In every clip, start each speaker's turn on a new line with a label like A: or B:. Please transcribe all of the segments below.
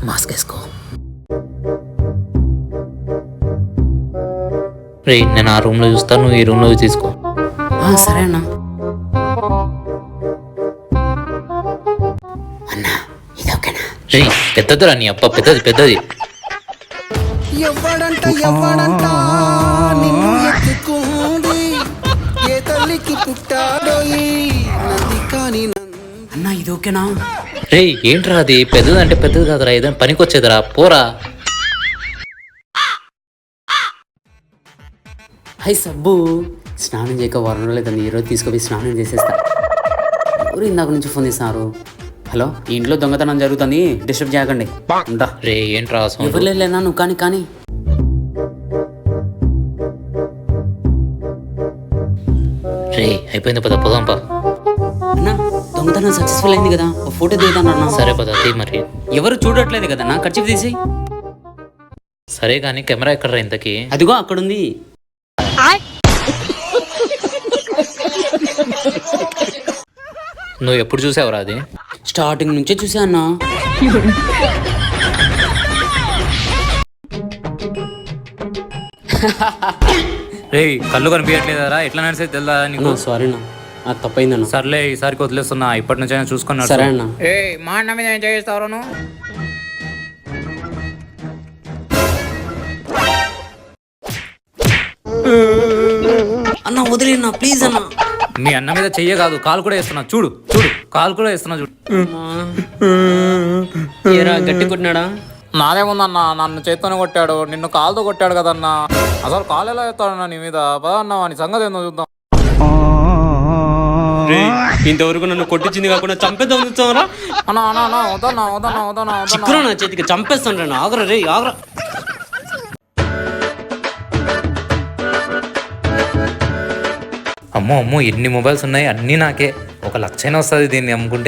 A: Mask వేసుకో. రే నేను ఆ రూమ్లో చూస్తాను, నువ్వు ఈ రూమ్లో తీసుకో.
B: సరే అన్న. అన్నా ఇది ఓకేనా?
A: రే పెద్దదిరా నీ అప్ప, పెద్దది పెద్దది.
C: ఎవ్వడంట నిన్ను ఎత్తుకుంది, ఏ తల్లికి పుట్టాడోయి నంది కాని
B: అన్నా ఇది ఓకేనా?
A: రే ఏంట్రా అది? పెద్దది అంటే పెద్దది కాదురా, ఏదైనా పనికి వచ్చేదిరా, పోరా.
B: హై సబ్బు, స్నానం చేయక వారం రోజులు ఈరోజు తీసుకుపోయి స్నానం చేసేస్తా. ఎవరు ఇందాక నుంచి ఫోన్ చేస్తున్నారు? హలో, ఈ ఇంట్లో దొంగతనం జరుగుతుంది, డిస్టర్బ్ చేయకండి. ఉంటా.
A: రే ఏంట్రా
B: ఎవరు లేనా? నువ్వు కానీ
A: రే అయిపోయింది, పద పోదాంపా.
B: అన్నా దొంగతనం సక్సెస్ఫుల్ అయింది కదా, ఒక ఫోటో దిగుతానన్నా.
A: సరే పద తీ. మరి
B: ఎవరు చూడట్లేదు కదా, నా ఖర్చు తీసి.
A: సరే కానీ కెమెరా ఎక్కడరా ఇంతకి?
B: అదిగో అక్కడుంది.
A: నువ్వు ఎప్పుడు చూసావురా అది?
B: స్టార్టింగ్ నుంచే చూసా అన్నా.
A: రే కళ్ళు కనిపించట్లేదారా? ఎట్లా నడిచేది తెలుదా నీకు?
B: సారీ అన్న, అది తప్పైందన్న.
A: సర్లే ఈసారికి వదిలేస్తున్నా, ఇప్పటి నుంచి అయినా చూసుకున్నా.
B: సరే అన్న.
A: మా అన్న మీద ఏం చేస్తావు నువ్వు?
B: అన్న వదిలేనా ప్లీజ్ అన్న.
A: మీ అన్న మీద చెయ్య కాదు, కాలు కూడా వేస్తున్నా. చూడు చూడు, కాలు కూడా వేస్తున్నా చూడు.
B: ఏరా గట్టి కొట్టినాడా?
A: నాదేముందన్నా, నన్ను చేత్తోనే కొట్టాడు, నిన్ను కాలుతో కొట్టాడు కదన్నా. అసలు కాలు ఎలా వేస్తాడన్నా నీ మీద? పదన్నా వాని సంగతి ఏందో చూద్దాం.
B: ఇంతవరకు నన్ను కొట్టించింది కాకుండా చంపేద్దాం చూస్తావరా?
A: అన్నా అన్నా అన్నా వదన్నా వదన్నా వదన్నా
B: చిక్కురా నా చేతికి, చంపేస్తాను రా. ఆగరా రే ఆగరా.
A: అమ్మో అమ్మో ఎన్ని మొబైల్స్ ఉన్నాయి, అన్నీ నాకే. 1,00,000 వస్తుంది దీన్ని అమ్ముకుంటే.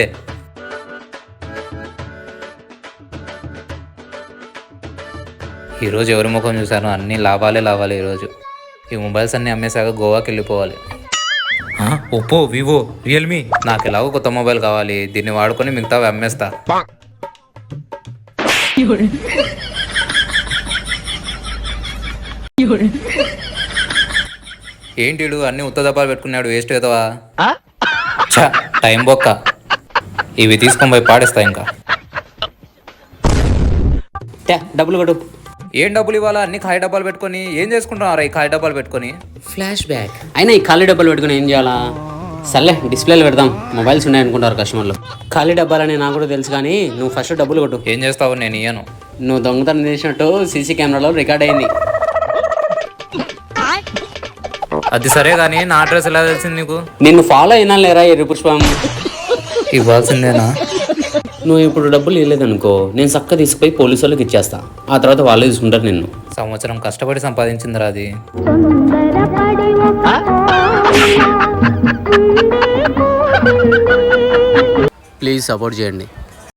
A: ఈరోజు ఎవరి ముఖం చూశాను, అన్నీ లాభాలే లాభాలే ఈరోజు. ఈ మొబైల్స్ అన్నీ అమ్మేశాక గోవాకి వెళ్ళిపోవాలి. Oppo, Vivo, Realme. నాకు ఎలాగో కొత్త మొబైల్ కావాలి, దీన్ని వాడుకొని మిగతావి అమ్మేస్తా. ఏంటి అన్ని ఉత్త దప్పాలు పెట్టుకున్నాడు, వేస్ట్ కదవా? టైం బొక్క. ఇవి తీసుకొని పోయి పాడేస్తా. ఇంకా
B: డబ్బులు కొట్టు.
A: ఏం డబ్బులు ఇవ్వాలా? అన్ని ఖాళీ డబ్బాలు పెట్టుకొని ఏం చేసుకుంటున్నారా? ఈ ఖాళీ డబ్బాలు పెట్టుకొని
B: ఫ్లాష్ బ్యాక్ అయినా ఈ ఖాళీ డబ్బాలు పెట్టుకుని ఏం చేయాలా? సర్లే డిస్ప్లేలు పెడదాం, మొబైల్స్ ఉన్నాయనుకుంటారు కస్టమర్లు. ఖాళీ డబ్బాలని నాకు కూడా తెలుసు, కానీ నువ్వు ఫస్ట్ డబ్బులు కొట్టు.
A: ఏం చేస్తావు? నేను ఇయ్యను.
B: నువ్వు దొంగతనం చేసినట్టు సీసీ కెమెరాలో రికార్డ్ అయింది.
A: అది సరే కానీ నా అడ్రస్ ఎలా తెలిసింది నీకు?
B: నిన్ను ఫాలో అయినా లేరా ఎర్రి పుష్పం?
A: ఇవ్వాల్సిందేనా?
B: నువ్వు ఇప్పుడు డబ్బులు ఇవ్వలేదనుకో, నేను చక్క తీసుకుపోయి పోలీసు వాళ్ళకి ఇచ్చేస్తా. ఆ తర్వాత వాళ్ళే తీసుకుంటారు నిన్ను.
A: సంవత్సరం కష్టపడి సంపాదించిందిరా అది.
B: ప్లీజ్ సపోర్ట్ చేయండి.